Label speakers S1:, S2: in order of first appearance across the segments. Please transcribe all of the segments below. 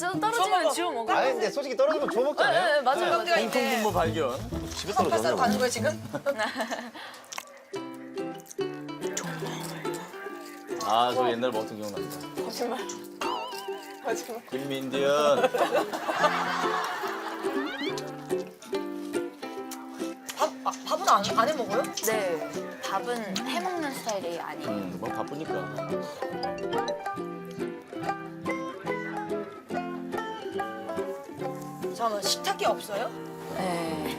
S1: 떨어지면 지워 먹어.
S2: 아니 근데 솔직히 떨어지면 주워 먹잖아요.
S1: 네, 맞아요.
S3: 공통분모 발견.
S2: 집에
S4: 파스타
S2: 떨어져.
S4: 가는 거야 지금?
S3: 아, 저 옛날 먹던 기억납니다.
S1: 거짓말. 거짓말.
S3: 김민디언.
S4: 밥은 안 해 먹어요?
S1: 네, 밥은 해 먹는 스타일이 아니에요.
S3: 뭐 바쁘니까.
S4: 잠깐만 식탁이 없어요?
S1: 네.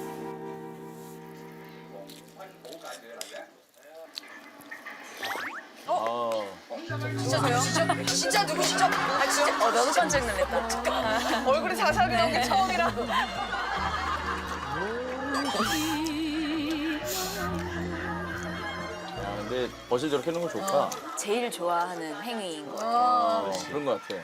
S3: 아,
S4: 진짜 누구시죠? 진짜 누구시죠? 아 진짜
S1: 나도 깜짝 놀랐다.
S4: 얼굴이 자세하게 나온 게 처음이라.
S3: 야, 근데 버실 저렇게 해놓은 거 좋다.
S1: 제일 좋아하는 행위인 거.
S3: 그런 거 같아.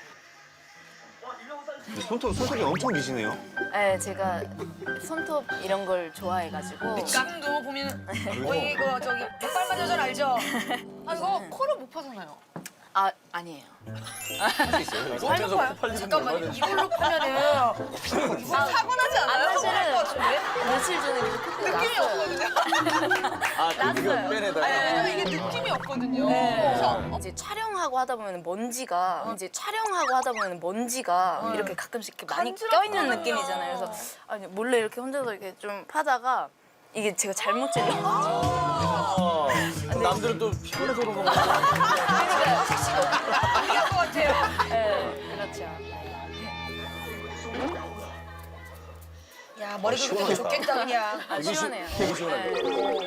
S2: 손톱이 엄청 기시네요.
S1: 네, 제가 손톱 이런 걸 좋아해가지고.
S4: 지금도 보면 이거 저기 백발만 여전 알죠? 아 이거 코를 못 파잖아요.
S1: 아, 아니에요.
S2: 할 수 있어요. 이거?
S3: 어째서
S4: 파요?
S3: 코팔리는
S4: 잠깐만
S3: 거야?
S4: 이걸로 파면은 이거 사고 나지 않아요?
S1: 사실은
S4: 것 같은데?
S1: 며칠 전에 그래서 코가
S4: 느낌이 없거든요.
S3: 아, 그 이거
S1: 났어요.
S3: 빼내다가.
S4: 왜냐면 이게 느낌이 없거든요. 그래서
S1: 이제 촬영하고 하다 보면 먼지가 이렇게 가끔씩 이렇게 많이 껴있는 느낌이잖아요. 그래서 아니 몰래 이렇게 혼자서 이렇게 좀 파다가 이게 제가 잘못 찔러.
S3: 남들은 또 피곤해서 그런 거 같아.
S4: 이해할 것 같아요.
S1: 네, 그렇죠.
S4: 야 머리 긁는 거 좋겠다 그냥.
S1: 아, 시원해요.
S3: 되게 시원하네.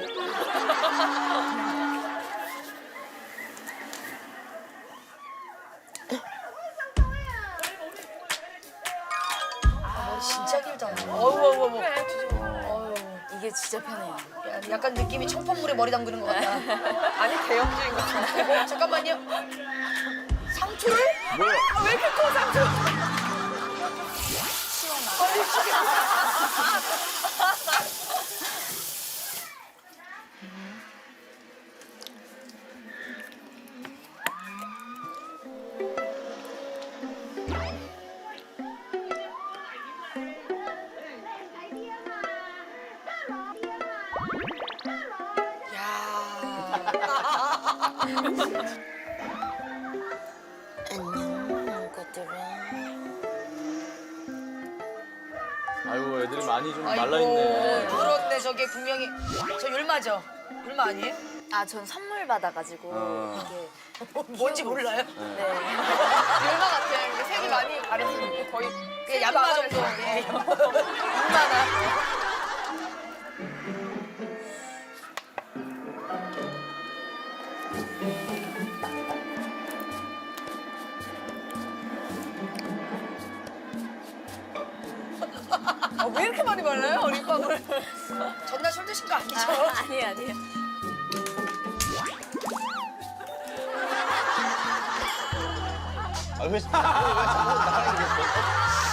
S4: 머리 진짜 길다. 어우.
S1: 이게 진짜 편해요.
S4: 약간 느낌이 청포물에 머리 담그는 것 같다. 아니 대형주인 것처럼. 잠깐만요. 상추를?
S3: 뭐야?
S4: 아, 왜 이렇게 커 상추?
S1: 안녕, 것들아.
S3: 아이고, 애들이 많이 좀 말라있네.
S4: 그런데 저게 분명히 저 율마죠? 율마 아니에요?
S1: 아, 전 선물 받아가지고 이게
S4: 뭔지 몰라요?
S1: 네.
S4: 율마 같아요. 이게 색이 많이 가려서 거의 그냥 얌마 정도. 예. 율마나. 왜 이렇게 많이 발라요? 립밤을. 전날 술 드신 거 아니죠?
S1: 아니에요.
S2: 왜 자꾸 나랑 이랬어?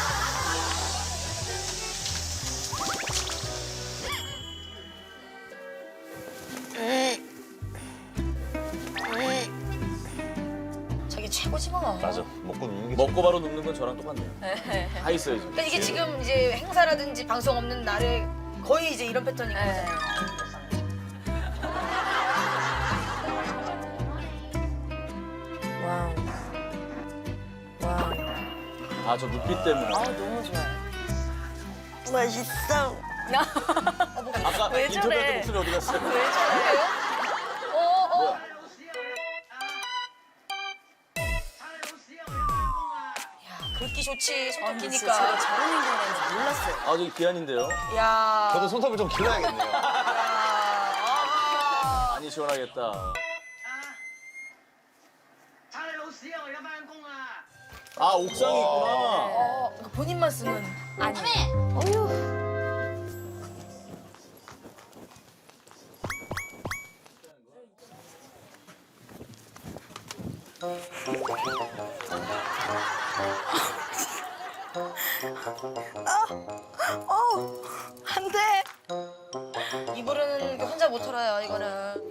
S4: 자기 최고지 뭐.
S2: 맞아. 먹고 누는 게.
S3: 먹고 바로 눕는 건 저랑 똑같네요. 다 있어야지.
S4: 그러니까 이게 지금 이제 행사라든지 방송 없는 날에 거의 이제 이런 패턴인
S1: 네.
S4: 거잖아요.
S1: 와우. 와우.
S3: 아, 저 눈빛 때문에.
S1: 아, 너무 좋아요.
S5: 맛있어.
S3: 아까
S1: 왜
S3: 인터뷰 때
S1: 저래?
S3: 목소리 어디 갔어요?
S1: 왜 저래요?
S3: 뭐야?
S4: 긁기 좋지, 손톱
S1: 진짜
S4: 기니까.
S1: 제가 저런 행동인지 몰랐어요.
S3: 아, 저기 기한인데요.
S4: 야.
S2: 저도 손톱을 좀 길러야겠네요.
S3: 많이 시원하겠다. 아, 옥상이 있구나.
S4: 이거 본인만 쓰는.
S1: 아니.
S5: 안 돼.
S4: 이불은 혼자 못 털어요, 이거는.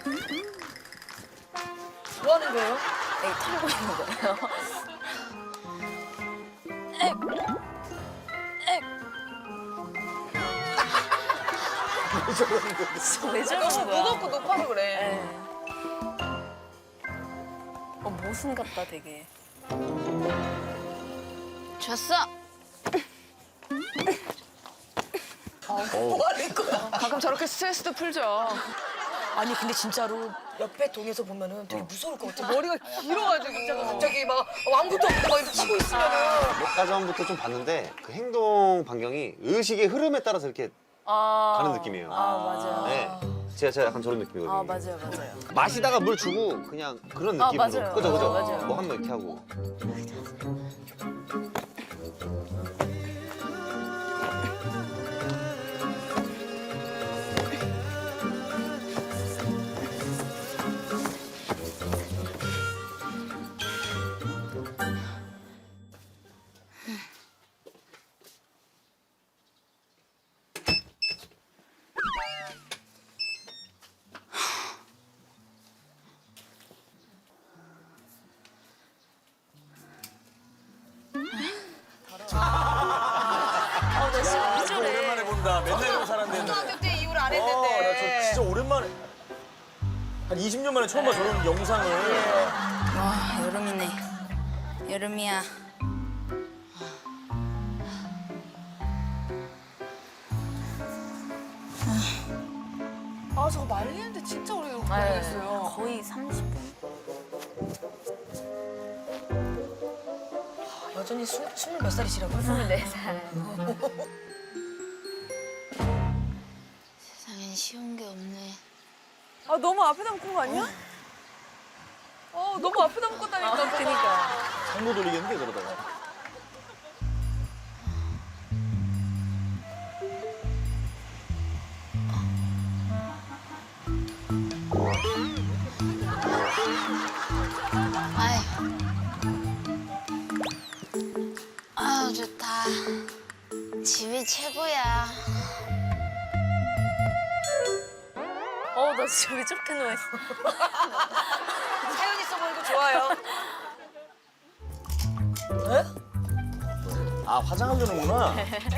S4: 뭐 하는 거예요?
S1: 네, 털고 있는 거예요. 왜 저러는
S4: 너무
S1: 거야?
S4: 무겁고 높아서 그래.
S1: 네. 모순 같다 되게. 줬어.
S4: 뭐 하는 거야?
S5: 가끔 저렇게 스트레스도 풀죠.
S4: 아니 근데 진짜로 옆에 동에서 보면은 되게 무서울 것 같아.
S5: 머리가 길어가지고.
S4: 갑자기 막 아무것도 없고 막 이렇게 치고 있으면은.
S2: 몇 가지 전부터 좀 봤는데 그 행동 반경이 의식의 흐름에 따라서 이렇게 가는 느낌이에요.
S1: 맞아요.
S2: 네. 제가 약간 저런 느낌이거든요.
S1: 맞아요.
S2: 마시다가 물 주고 그냥 그런
S1: 아,
S2: 느낌으로.
S1: 맞아요.
S2: 그죠, 그죠.
S1: 맞아요.
S2: 뭐 한 번 이렇게 하고.
S1: 나 진짜 왜 저래?
S3: 오랜만에 본다. 맨날 이러고 살았는데.
S4: 초등학교 때 이후로 안
S3: 나 저
S4: 했는데.
S3: 진짜 오랜만에. 한 20년 만에 처음 봐, 저런 영상을.
S1: 와 여름이네. 여름이야.
S5: 아, 저거 말리는데 진짜 오래 걸리겠어요.
S1: 거의 30분.
S4: 여전히 스물 몇 살이시라고?
S1: 24살. 세상엔 쉬운 게 없네.
S5: 아, 너무 앞에다 묶은 거 아니야? 너무 앞에다 묶었다니까.
S1: 그니까.
S3: 장모 돌리겠는데, 그러다가.
S1: 아유 좋다. 집이 최고야. 나 진짜 왜 저렇게 누워있어?
S4: 사연 있어 보이고 좋아요.
S3: 아, 화장하려는구나.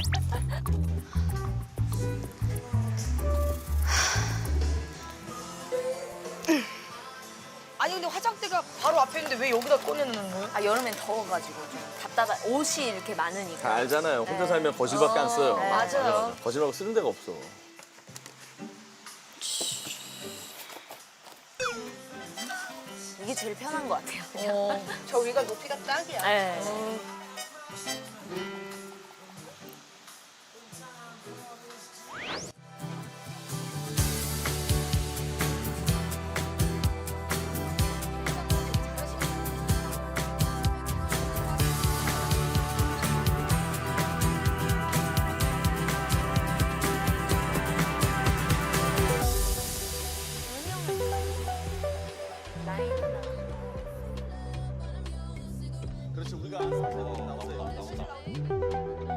S4: 아니 근데 화장대가 바로 앞에 있는데 왜 여기다 꺼내놓는 거예요?
S1: 여름엔 더워가지고 좀 답답해. 옷이 이렇게
S3: 다
S1: 많으니까.
S3: 알잖아요. 혼자 살면 거실밖에 안 써요.
S1: 네.
S4: 맞아요.
S3: 거실 말고 쓰는 데가 없어.
S1: 이게 제일 편한 것 같아요.
S4: 저 위가 높이가 딱이야.
S1: 네.
S3: 그렇지, 우리가 나와서 나온다.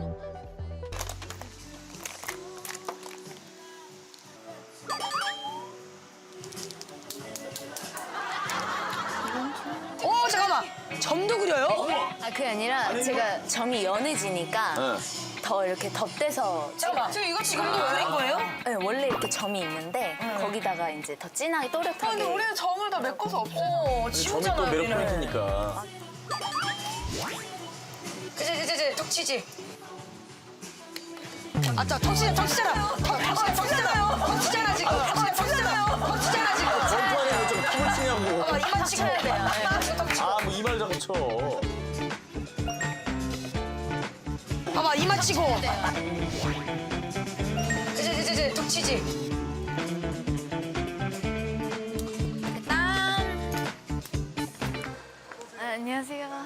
S4: 오 잠깐만. 점도 그려요?
S1: 그게 아니라 제가 점이 연해지니까
S3: 네.
S1: 더 이렇게 덧대서.
S4: 잠깐만. 지금 이거 지금도 그린 거예요?
S1: 네, 원래 이렇게 점이 있는데 거기다가 이제 더 진하게 또렷하게.
S5: 근데 우리는 점을 다 메꿔서 없어.
S3: 점이 또
S4: 지우잖아요.
S3: 매력
S4: 우리는.
S3: 포인트니까.
S4: 그치 턱치지. 아따 턱치잖아. 턱치잖아 지금. 턱치잖아 지금.
S3: 전투하는 거 좀 춤을 추냐고.
S4: 이만 치고.
S1: 쳐야 돼요.
S4: 이만 치고 턱 치고.
S3: 아, 뭐 이말 자꾸 쳐.
S4: 봐봐 이만 치고. 그치 턱치지.
S1: 안녕하세요.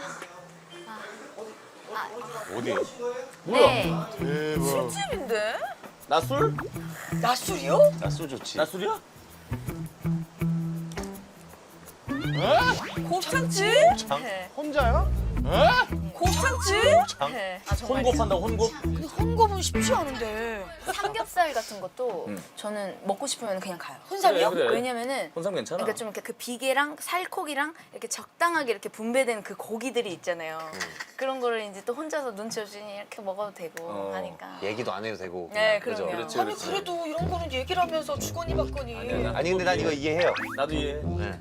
S2: 어디에요?
S1: 네.
S5: 술집인데?
S3: 낮술?
S4: 낮술이요?
S2: 낮술 좋지.
S3: 낮술이야?
S5: 곱창집?
S2: 혼자요?
S5: 곱창집?
S1: 네. 아, 정말.
S3: 혼곱한다고 혼곱?
S4: 근데 혼곱은 쉽지 않은데.
S1: 삼겹살 같은 것도 저는 먹고 싶으면 그냥 가요.
S4: 혼삼이요?
S3: 그래.
S1: 왜냐면은
S3: 혼삼 괜찮아.
S1: 그러니까 좀 이렇게 그 비계랑 살코기랑 이렇게 적당하게 이렇게 분배된 그 고기들이 있잖아요. 그런 거를 이제 또 혼자서 눈치 없이 이렇게 먹어도 되고 하니까.
S2: 얘기도 안 해도 되고.
S1: 네,
S2: 그냥, 그죠?
S1: 그럼요.
S3: 그렇지,
S4: 아니
S3: 그렇지.
S4: 그래도 이런 거는 얘기를 하면서 주거니 받거니.
S2: 아니 근데 난 이거 이해해요.
S3: 나도 이해해.
S2: 네.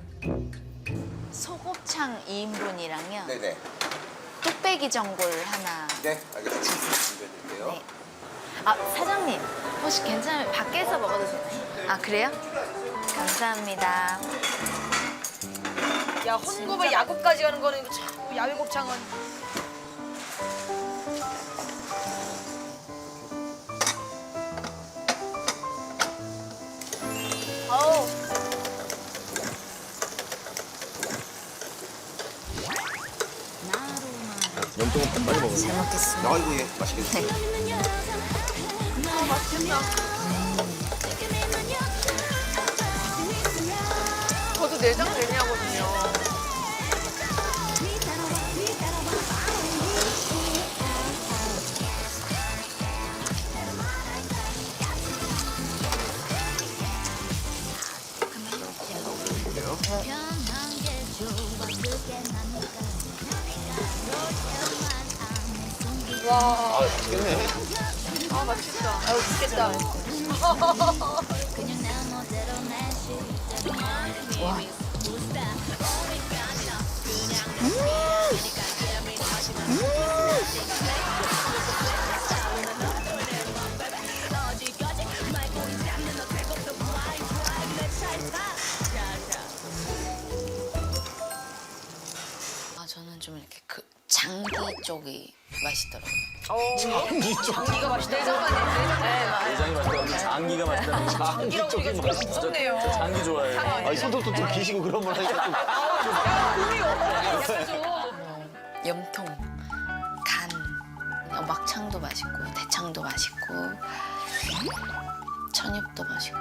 S1: 소곱창 2인분이랑요.
S6: 네네.
S1: 뚝배기 전골 하나.
S6: 네, 알겠습니다. 준비해드릴게요.
S1: 네. 아, 사장님. 혹시 괜찮으면 밖에서 먹어도 좋나요? 아, 그래요? 감사합니다.
S4: 야 혼곱에 야곱까지 가는 거는 이거 참 야외 곱창은.
S1: 어우.
S3: 염통은 빨리 먹어.
S1: 잘 먹겠습니다.
S6: 아이고, 예, 맛있겠어요.
S5: 저도 내장 매니아거든요.
S2: 아 맛있겠네.
S5: 아, 맛있다.
S4: 아유 죽겠다.
S1: 아, 저는 좀 이렇게 그 장기 쪽이 맛있더라고요.
S4: 장기가 맛있다.
S3: 내장이 맛있다고 장기가 맛있다고.
S4: 장기라고 우리가 좀 무섭네요.
S3: 저 장기 좋아해.
S2: 아니 손톱도 좀 기시고 그런 걸 하니까 좀.
S1: 염통, 간, 막창도 맛있고 대창도 맛있고 천엽도 맛있고.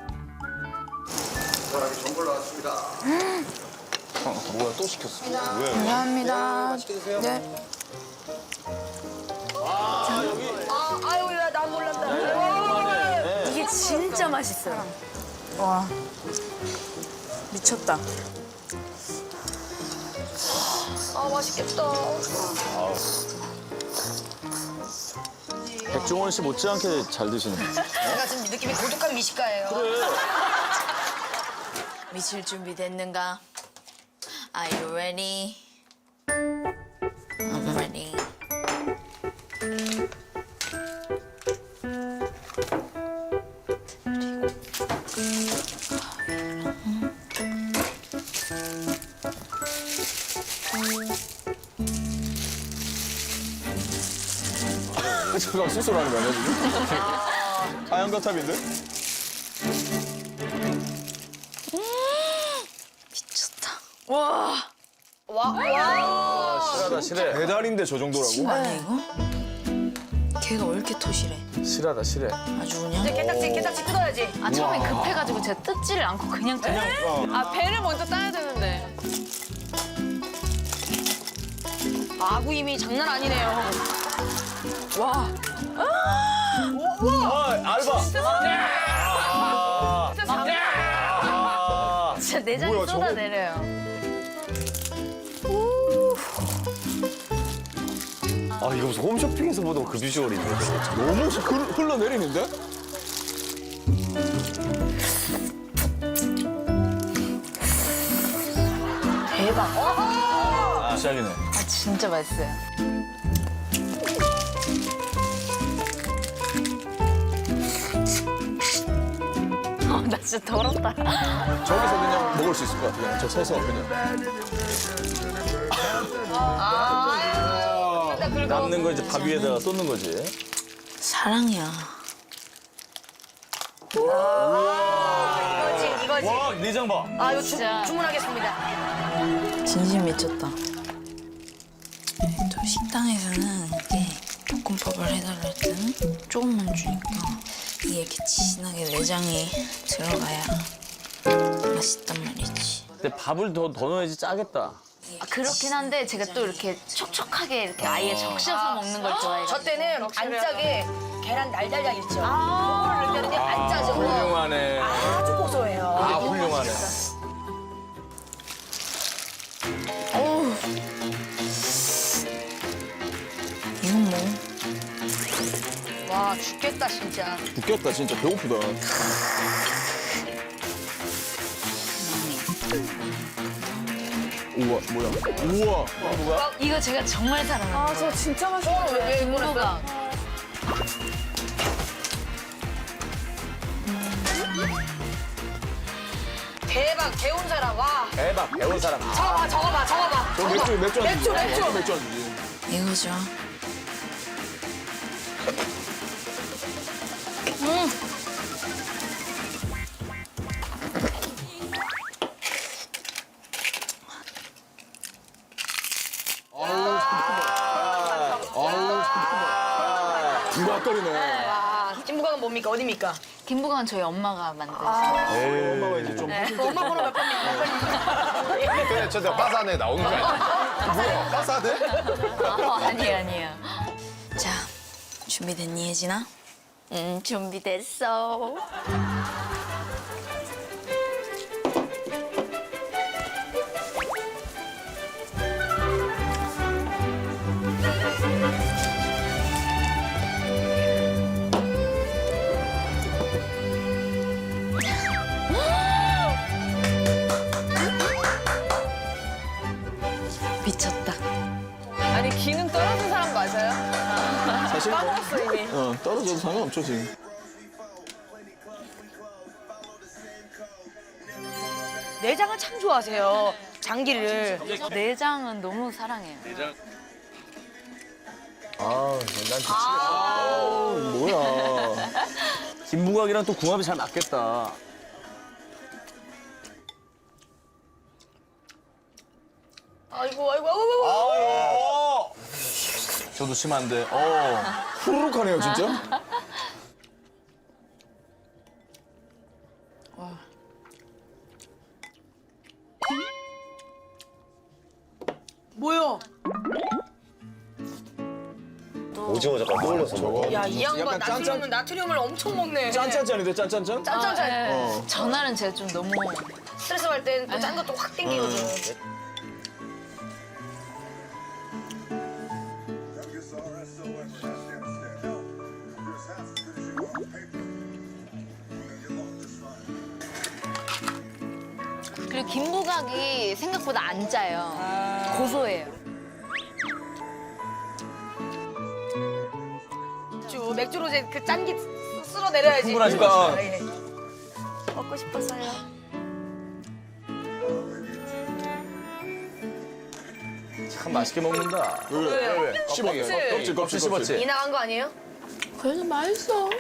S6: 사람이 전골 나왔습니다.
S2: 뭐야 또 시켰어? 왜?
S1: 감사합니다.
S6: 맛있게 드세요.
S1: 네.
S4: 아유 야 나 몰랐다.
S1: 이게 진짜 맛있어요. 와, 미쳤다.
S4: 아 맛있겠다.
S3: 백종원 씨 못지않게 잘 드시네.
S4: 제가 지금 느낌이 고독한 미식가예요.
S1: 미칠 준비 됐는가? Are you ready? I'm ready.
S3: 제가 수술하는 거 아니야 지금? 하얀 거탑인데?
S1: 미쳤다. 와.
S4: 와.
S3: 실하다 실해.
S7: 배달인데 저 정도라고?
S1: 아니야 이거? 걔가 왜 이렇게 토실해?
S3: 실하다 실해.
S1: 아주 그냥.
S4: 이제 게딱지 뜯어야지.
S1: 아 처음에 급해가지고 제가 뜯지를 않고 그냥
S5: 아, 배를 먼저 따야 되는데.
S4: 아구임이 장난 아니네요.
S5: 와.
S3: 알바.
S1: 진짜 내장이
S7: 뭐야, 저거?
S1: 쏟아내려요.
S2: 아 이거 무슨 홈쇼핑에서 보던 그 비주얼인데.
S7: 너무 흘러내리는데?
S1: 대박.
S3: 시작이네.
S1: 아 진짜 맛있어요. 나 진짜 더럽다.
S7: 저기서 그냥 먹을 수 있을 것 같아. 그냥 저 서서 그냥.
S3: 남는 거 이제 밥 위에다가 쏟는 거지.
S1: 사랑이야.
S4: 이거지.
S3: 와 내장 봐.
S4: 아 이거
S1: 진짜.
S4: 주문하겠습니다.
S1: 진심 미쳤다. 또 식당에서는 이게 볶음밥을 해달라 할 때는 조금만 주니까 이게 이렇게 진하게 내장이 들어가야 맛있단 말이지.
S3: 근데 밥을 더 넣어야지 짜겠다.
S1: 그렇긴 한데 제가 또 이렇게 촉촉하게 이렇게 아예 적셔서 먹는 걸 좋아해요.
S4: 저 때는 안 짜게 계란 날달걀 있죠. 그거를 넣으면 안 짜죠.
S3: 훌륭하네.
S4: 아주 고소해요.
S3: 아, 훌륭하네.
S1: 이건 뭐?
S4: 와 죽겠다 진짜.
S3: 웃겼다, 진짜. 배고프다. 우와, 뭐야. 우와. 뭐야?
S1: 이거 제가 정말 사랑하는 거예요.
S5: 저 진짜 맛있어.
S4: 왜
S1: 김부각.
S4: 대박 배운 사람 와.
S3: 대박, 배운 사람.
S4: 저거 봐.
S3: 저 맥주 안 주지.
S4: 맥주.
S3: 맥주 안 주지.
S1: 이거죠.
S3: 불닭거리네.
S4: 와 김부각은 뭡니까 어디입니까?
S1: 김부각은 저희 엄마가 만드신.
S3: 엄마가 이제 좀.
S4: 엄마 번호 몇 번입니까?
S2: 그래, 저 빠사네 나오는 거 아니야? 뭐야, 빠사네?
S1: 아니에요. 자, 준비됐니, 혜진아? 준비됐어. 미쳤다.
S5: 아니 기능 떨어진 사람 맞아요?
S3: 사실 뭐,
S5: 까먹었어 이미.
S3: 떨어져도 상관없죠, 지금.
S4: 내장을 참 좋아하세요. 장기를.
S1: 내장은 너무 사랑해요.
S3: 아, 난 미치겠어. 뭐야. 김부각이랑 또 궁합이 잘 맞겠다.
S4: 아이고.
S3: 저도 심한데. 후루룩 하네요, 진짜.
S4: 뭐요?
S2: 오징어 잠깐 떠올려서 먹어.
S4: 야 이 양반
S3: 약간
S4: 나트륨은 나트륨을 엄청 먹네.
S3: 짠짠짠인데, 짠짠짠?
S4: 짠짠짠.
S1: 전날은 제가 좀 너무
S4: 스트레스 받을 때는 또 짠 것도 확 땡기거든.
S1: 그리고 김부각이 생각보다 안 짜요. 고소해요.
S4: 맥주로 이제 그 짠기 쓸어 내려야지.
S3: 충분하니까.
S1: 먹고 싶었어요.
S3: 참 맛있게 먹는다. 왜? 껍질. 껍질 씹었지?
S4: 이 나간 거 아니에요?
S5: 그래도 맛있어.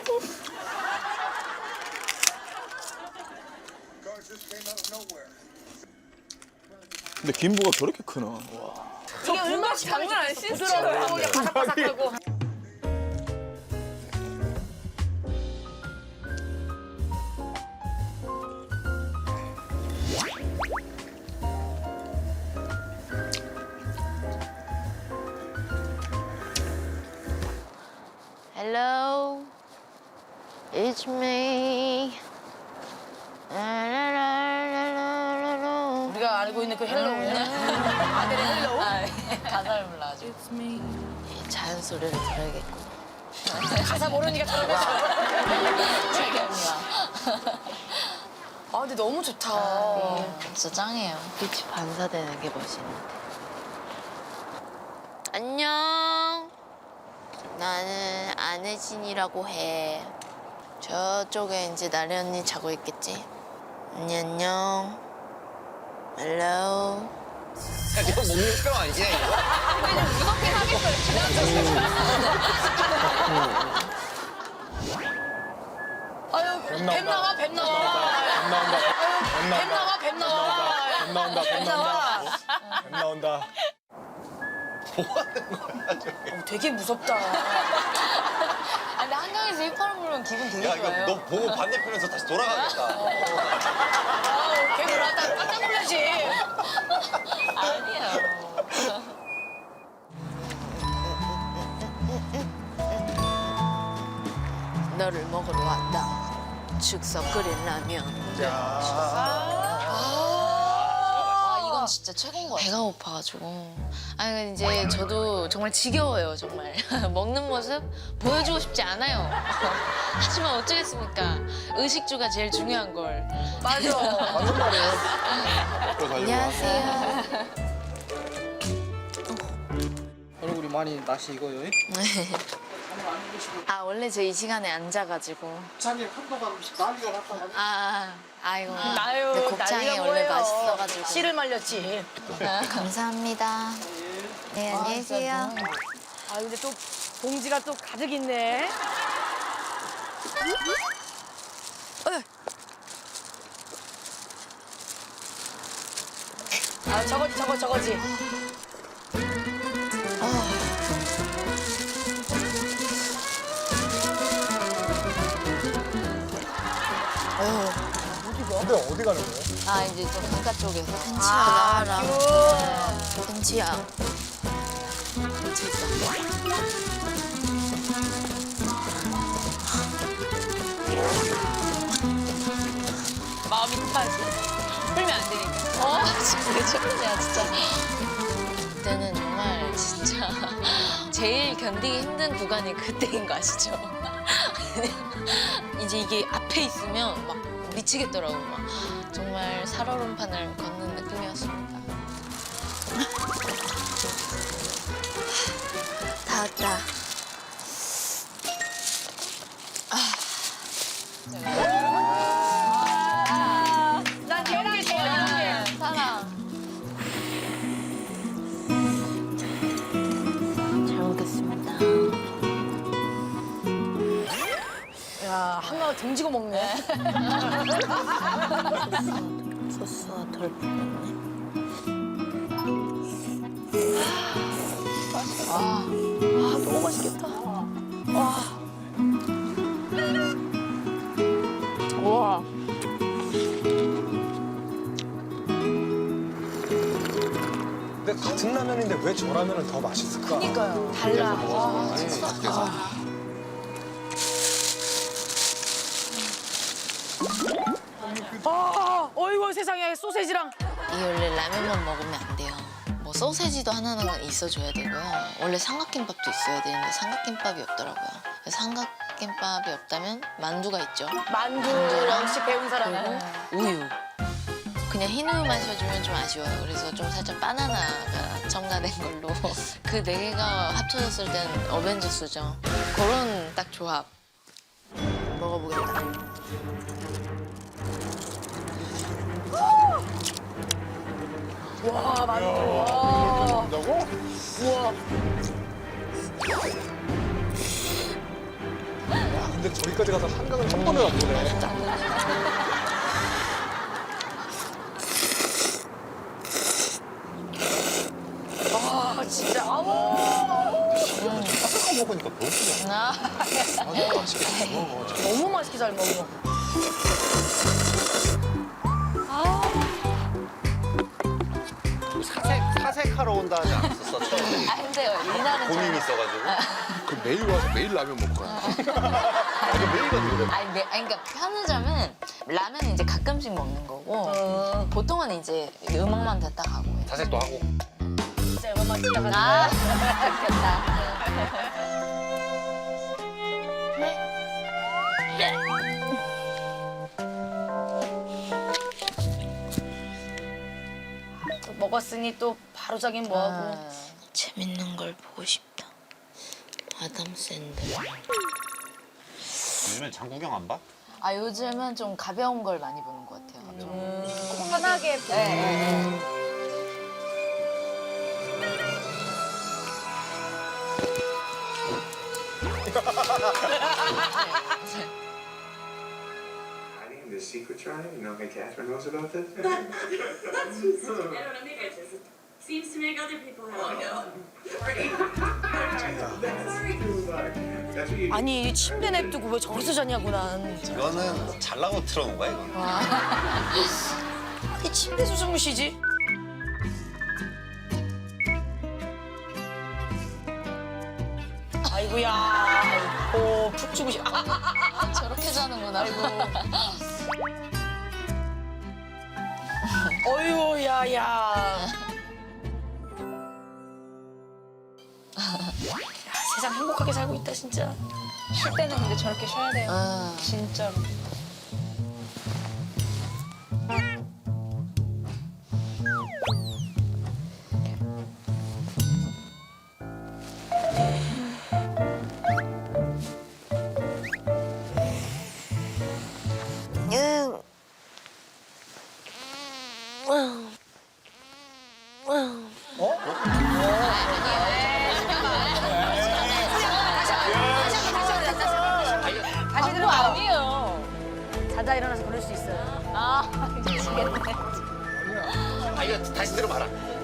S3: 근데 김부각 저렇게 크나?
S4: 이게 얼마나
S5: 장난 아니지?
S4: 부드러워 그냥 바삭바삭하고.
S1: Hello, it's me.
S4: 우리가 알고 있는 그 헬로우야? 아들의 헬로우?
S1: 가사를 몰라가지고. 자연 소리를 들어야겠고.
S4: 가사 모르니까 저런 거.
S1: 자기 언니가.
S4: 아 근데 너무 좋다.
S1: 진짜 짱이에요. 빛이 반사되는 게 멋있는데. 안녕. 나는 안혜진이라고 해. 저쪽에 이제 나래 언니 자고 있겠지? 언니 안녕. 헬로.
S2: 이거 먹는 뼈 아니야, 이거?
S5: 무섭긴 하겠어요.
S4: 아유 뱀 나와.
S3: 뱀 나온다. 뱀 나온다.
S4: 되게 무섭다.
S1: 아, 근데 한강에서 휘파람 불면 기분 되게
S2: 야, 이거
S1: 좋아요.
S2: 너 보고 반대편에서 다시 돌아가겠다.
S4: 아우 걔 놀았다 깜짝 놀라지.
S1: 너를 먹으러 왔다. 즉석 끓인 라면.
S5: 이건 진짜 최고인 것 같아요. 배가 고파가지고. 아니 이제 저도 정말 지겨워요 정말. 먹는 모습 보여주고 싶지 않아요. 하지만 어쩌겠습니까. 의식주가 제일 중요한 걸.
S4: 맞아.
S3: 맞는 말이에요.
S1: 안녕하세요.
S6: 얼굴이 많이 낯이 익어요.
S5: 아 원래 저 이 시간에 앉아가지고.
S6: 부산님 한동안 난리가 났다.
S5: 아이고.
S4: 나요.
S5: 근데 곱창이 원래 맛있어가지고.
S4: 씨를 말렸지.
S5: 감사합니다. 네 안녕히 계세요.
S4: 아 근데 또 봉지가 또 가득 있네. 아 저거지.
S3: 근데 어디 가는 거예요?
S5: 아 이제 좀 강가 쪽에서 팬치야랑 팬치야. 팬치 있어. 마음이 급하지. 풀면 안 되니까. 진짜 왜 저러냐 진짜. 그때는 정말 진짜 제일 견디기 힘든 구간이 그때인 거 아시죠? 이제 이게 앞에 있으면 막 미치겠더라고. 막 정말 살얼음판을 걷는 느낌이었습니다.
S1: 다 왔다.
S4: 난 얘랑 얘랑.
S5: 사랑. 잘 먹겠습니다.
S4: 야 한가가 등지고 먹네.
S1: 소스가 덜 풀렸네.
S4: 너무 맛있겠다.
S1: 우와.
S3: 근데 같은 라면인데 왜 저 라면은 더 맛있을까?
S4: 그러니까요. 달라. 어이구 세상에 소세지랑.
S5: 이 원래 라면만 먹으면 안 돼요. 뭐 소세지도 하나는 있어줘야 되고요. 원래 삼각김밥도 있어야 되는데 삼각김밥이 없더라고요. 그래서 삼각김밥이 없다면 만두가 있죠.
S4: 만두 역시 배운 사람은.
S5: 우유. 그냥 흰 우유 마셔주면 좀 아쉬워요. 그래서 좀 살짝 바나나가 첨가된 걸로. 그 네 개가 합쳐졌을 땐 어벤져스죠. 그런 딱 조합.
S1: 먹어보겠다.
S4: 와 만두. 와.
S3: 된다고?
S4: 우와.
S3: 와, 근데 저기까지 가서 한강을 한 번을 안 보네.
S4: 아 진짜. 아우.
S2: 딱 먹으니까 배고프지 않아? 맛있겠다.
S4: 너무 맛있게 잘 먹어.
S2: 사색하러 온다 하지 않았었어 처음에?
S5: 아 근데 이날은
S2: 고민이
S5: 좀.
S2: 있어가지고.
S7: 그 매일 와서 매일 라면 먹고 가요.
S2: 이거 매일 가도 그래.
S5: 아니 그러니까 편의점은 라면은 이제 가끔씩 먹는 거고 보통은 이제 음악만 듣다 가고.
S2: 사색도 하고.
S4: 진짜 이거만 찍다가.
S5: 아 좋겠다.
S4: 먹었으니 또 바로 자긴 뭐하고.
S1: 재밌는 걸 보고 싶다. 아담 샌들.
S2: 요즘엔 장구경 안 봐?
S5: 아 요즘은 좀 가벼운 걸 많이 보는 것 같아요.
S4: 편하게.
S8: The secret tribe? You know how Catherine knows about this?
S9: I don't know, maybe I just seems to make other people happy.
S8: That's what you
S4: 아니 침대 냅두고 왜 저기서 자냐고 난.
S2: 이거는 잘라고 틀어놓은 거야 이거.
S4: 이 침대에서 주무시지? 아이고야. 오, 푹 주고 싶.
S5: 저렇게 자는구나.
S4: 어유, 야야. 세상 행복하게 살고 있다 진짜. 쉴 때는 근데 저렇게 쉬어야 돼요.
S5: 아.
S4: 진짜로. 다시 들어 아니에요. 자다 일어나서 그럴 수 있어요. 미치겠네.
S2: 아 이거 다시 들어봐라.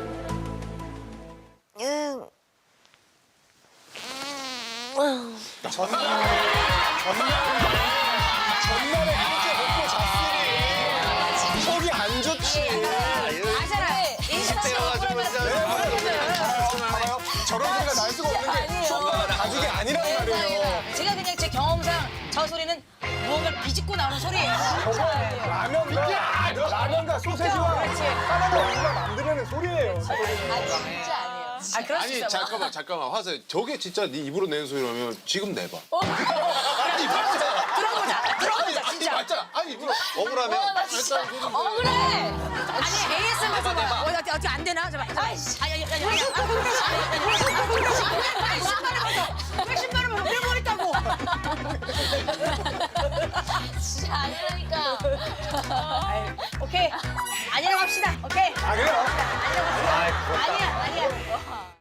S3: 속이 안 좋지.
S4: 아잖아.
S2: 때여가지고
S3: 봐봐요. 저런 소리가 날 수가 없는 게 쇼파가 가죽이 아니란 말이에요.
S4: 제가 그냥 제 경험상 저 소리는 무언가를 비집고 나오는 소리예요.
S3: 라면과 소세지와 까만고기가 만들어낸 소리예요.
S5: 진짜 아니에요.
S4: 아, 그럴 수
S7: 아니
S4: 있어.
S7: 잠깐만 화세 저게 진짜 네 입으로 내는 소리라면 지금 내봐.
S4: 아니, 들어보자, 진짜.
S7: 맞잖아. 아니 입으로
S2: 억울하면
S5: 억울해.
S4: 아니, ASMR 해봐. 어떻게 안 되나? 잠깐만. 아이씨. 아니. 왜 신발을 벗어? 왜 버렸다고?
S5: 진짜 아니라니까.
S4: 오케이. 아니라고 합시다. 오케이.
S3: 아 그래요?